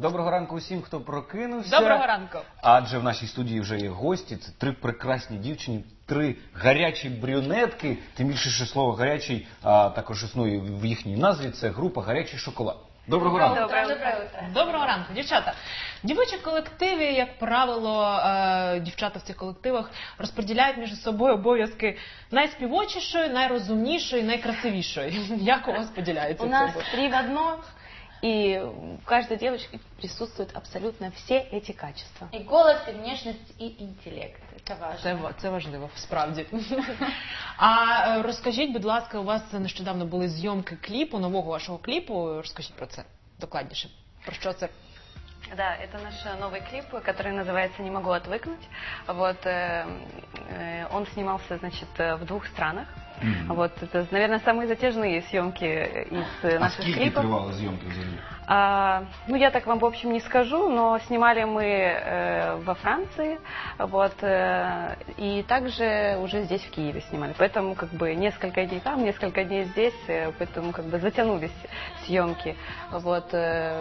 Доброго ранку усім, хто прокинувся. Доброго ранку. Адже в нашій студії вже є гості. Це три прекрасні дівчини, три гарячі брюнетки. Тим більше, що слово «гарячий» також існує в їхній назві. Це група «Гарячий шоколад». Доброго ранку. Доброго ранку, дівчата. В дівочих колективі, як правило, дівчата в цих колективах розподіляють між собою обов'язки найспівочішої, найрозумнішої, найкрасивішої. Як у вас поділяється? У нас 3 в 1, и в каждой девочке присутствуют абсолютно все эти качества. И голос, и внешность, и интеллект. Это важно. Це важливо, справді. А розкажіть, будь ласка, у вас нещодавно були зйомки кліпу, нового вашого кліпу. Розкажіть про це докладніше. Про що це? Да, это наш новый клип, который называется «Не могу отвыкнуть». Вот, он снимался, значит, в 2 странах. Вот, это, наверное, самые затяжные съемки из наших клипов. А сколько тривали зйомки взагалі? Ну, я так вам, в общем, не скажу, но снимали мы во Франции, вот, и также уже здесь, в Киеве, снимали. Поэтому, как бы, несколько дней там, несколько дней здесь, поэтому, как бы, затянулись съемки. Вот,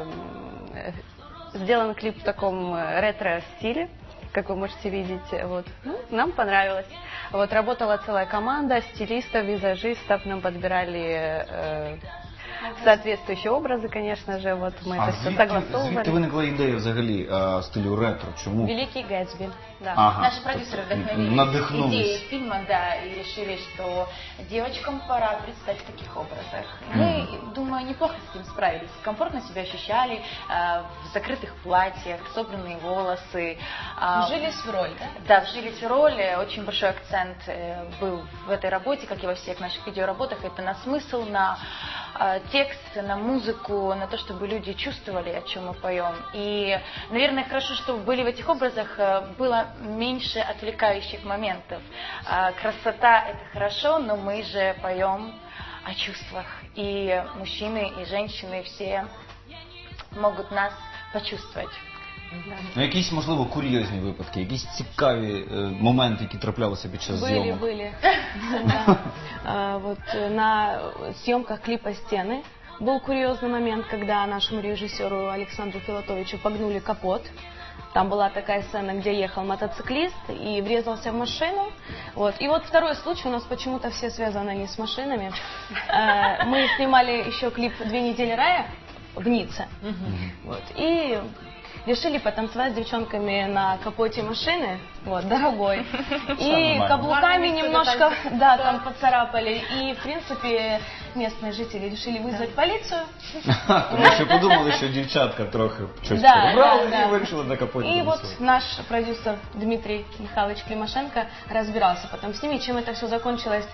сделан клип в таком ретро-стиле, как вы можете видеть. Вот. Ну, нам понравилось. Вот, работала целая команда стилистов, визажистов, нам подбирали соответствующие образы, конечно же. Вот, мы это все согласовывали. Звідки виникла ідея взагалі стилю ретро? Чому? Великий Гэтсби. Да. Ага. Наши продюсеры вдохновились идеей фильма, да, и решили, что девочкам пора представить в таких образах. Мы, думаю, неплохо с этим справились. Комфортно себя ощущали, в закрытых платьях, собранные волосы. Вжились в роль, да? Да, вжились в роль. Очень большой акцент был в этой работе, как и во всех наших видеоработах. Это на смысл, на текст, на музыку, на то, чтобы люди чувствовали, о чем мы поем. И, наверное, хорошо, что были в этих образах, было меньше отвлекающих моментов. Красота – это хорошо, но мы же поем о чувствах. И мужчины, и женщины все могут нас почувствовать. Ну, якісь, можливо, курйозні випадки, якісь цікаві моменти, які траплялися під час зйомок? Были. Вот на съемках клипа «Стены» был курьезный момент, когда нашему режиссеру Александру Филатовичу погнули капот. Там была такая сцена, где ехал мотоциклист и врезался в машину. Вот. И вот второй случай, у нас почему-то все связаны не с машинами. Мы снимали еще клип «2 недели рая» в Ницце. Вот. И решили потанцевать с девчонками на капоте машины, вот, дорогой. И каблуками немножко, да, там поцарапали. И, в принципе, местные жители решили вызвать полицию. Тому що подумали, що дівчатка трохи щось перебрали і вирішили на капоті. И вот наш продюсер Дмитрий Михайлович Климашенко разбирался потом с ними. Чем это все закончилось,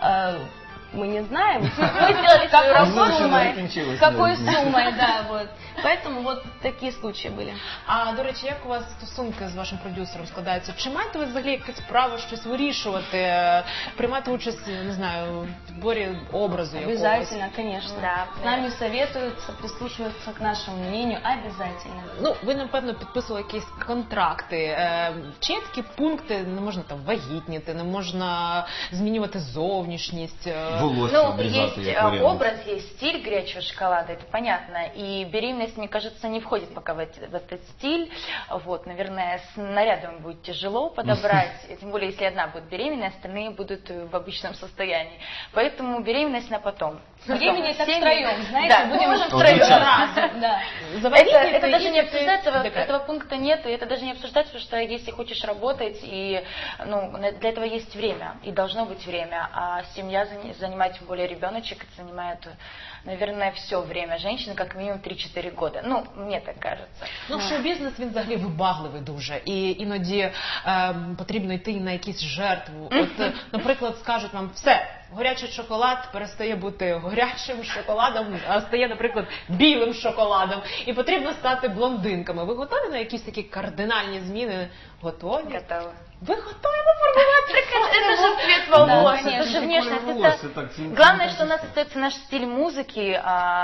мы не знаем. Мы сделали свою работу, какой суммой, да, вот. Поэтому вот такие случаи были. А, до речі, як у вас стосунки з вашим продюсером складаються? Чи маєте ви взагалі якесь право щось вирішувати, приймати участь, не знаю, в підборі образу якогось? Обязательно, конечно. Да. С нами советуются, прислушиваются к нашему мнению, обязательно. Ну, ви, напевно, підписували якісь контракти. Чи є такі пункти, не можна там вагітніти, не можна змінювати зовнішність? Ну, есть образ, есть стиль горячего шоколада, это понятно. И беременность, мне кажется, не входит пока в этот стиль. Вот, наверное, с нарядом будет тяжело подобрать, тем более, если одна будет беременна, остальные будут в обычном состоянии. Поэтому беременность на потом. Беременеть так втроем, знаете, да, будем можем втроем. Да. Это даже не обсуждается, этого пункта нет, и это даже не обсуждается, потому что если хочешь работать, и, ну, для этого есть время, и должно быть время, а семья занимает, тем более ребеночек, это занимает, наверное, все время женщины, как минимум 3-4 года. Ну, мне так кажется. Ну, шоу-бізнес, він взагалі вибагливий дуже. І іноді потрібно йти на якісь жертву. От, наприклад, скажуть вам, все, гарячий шоколад перестає бути гарячим шоколадом, а стає, наприклад, білим шоколадом. І потрібно стати блондинками. Ви готові на якісь такі кардинальні зміни? Готові? Готовы. Вы готовы формировать? Это же цвет волос, это же внешность. Главное, что у нас остается наш стиль музыки,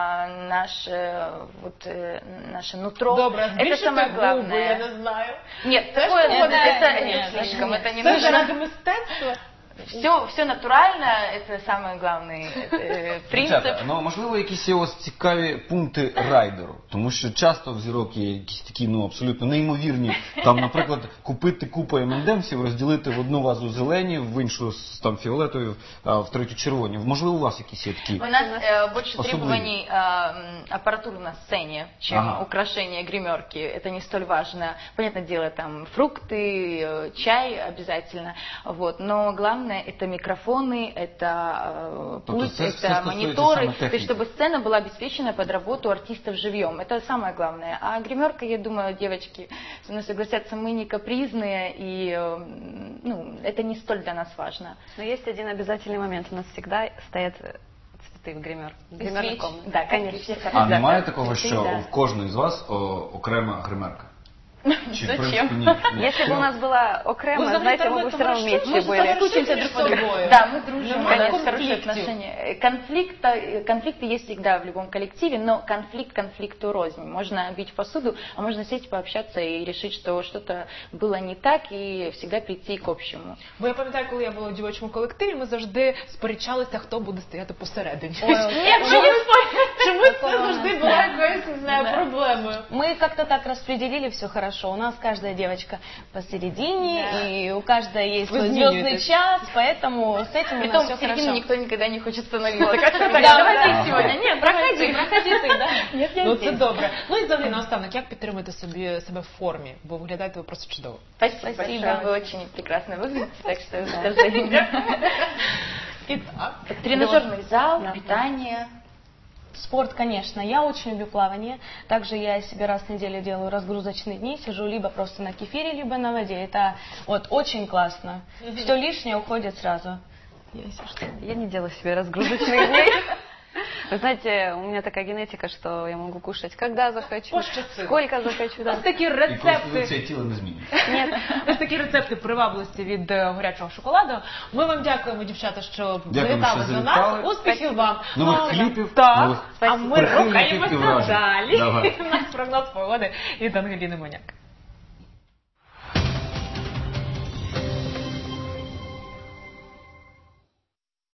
наше нутро. Добре, это самое главное. Я не знаю. Нет, такое это слишком, это не Це нужно. заради мистецтва? Все натурально, это самый главный принцип. Дівчата, ну можливо, якісь є у вас цікаві пункти райдеру, тому що часто в зірок є якісь такі, ну абсолютно неймовірні. Там, наприклад, купити купу МНДМсів, розділити в одну вазу зелені, в іншу там фіолетові, в третю червоні. Можливо, у вас якісь є такі? У нас больше особливі. требований аппаратуры на сцене, чем украшение гримерки. Это не столь важно. Понятное дело, там фрукты, чай обязательно. Вот. Но главное это микрофоны, это пульт, это мониторы. То есть, чтобы сцена была обеспечена под работу артистов живьем. Это самое главное. А гримерка, я думаю, девочки со мной согласятся, мы не капризные, и ну, это не столь для нас важно. Но есть один обязательный момент. У нас всегда стоят цветы в гримерной комнате. Да, конечно. А немає такого, що в кожної з вас окрема гримерка? Чи, в принципі, ні? Если бы у нас была окрема, знаете, мы бы все равно вместе были. Соскучимся друг по другу. Да, мы дружим, у Конечно, нас хорошие отношения. Конфликты есть всегда в любом коллективе, но конфликт конфликту рознь. Можно бить посуду, а можно сесть, пообщаться и решить, что что-то было не так, и всегда прийти к общему. Бо я пам'ятаю, коли я була у дівочому колективі, ми завжди сперечалися, хто буде стояти посередині. Чомусь це завжди була якоюсь, не знаю, проблемою. Мы как-то так распределили все хорошо. У нас каждая девочка посередине, и у каждой есть свой звездный час, поэтому с этим у нас Притом все в середине хорошо. никто никогда не хочет становиться. Как-то так, Да, давайте да. сегодня. Нет, Проходи ты, да? Нет, я Ну це здесь. добре. Ну і взагалі наостанок, як підтримати себе в формі? Бо виглядаєте ви просто чудово. Спасибо большое, вы очень прекрасно выглядите, так что это взаимно. І так. Тренажерный зал, питание. Спорт, конечно. Я очень люблю плавание. Также я себе раз в неделю делаю разгрузочные дни. Сижу либо просто на кефире, либо на воде. Это вот очень классно. Все лишнее уходит сразу. Я не делаю себе разгрузочных дней. Вы знаете, у меня такая генетика, что я могу кушать, когда захочу, Пощастило. сколько захочу. Да. Ось такі І рецепти. конституція тіла не змінюється. Нет. Ось такі рецепти привабливості від горячого шоколаду. Ми вам дякуємо, дівчата, що Дякуємо, завітали що до завітали. нас. Успіхів вам. Нових Ну, кліпів, так. нових А ми прихильників і рухаємося вражень. далі. Давай. У нас прогноз погоди від Ангеліни Моняк.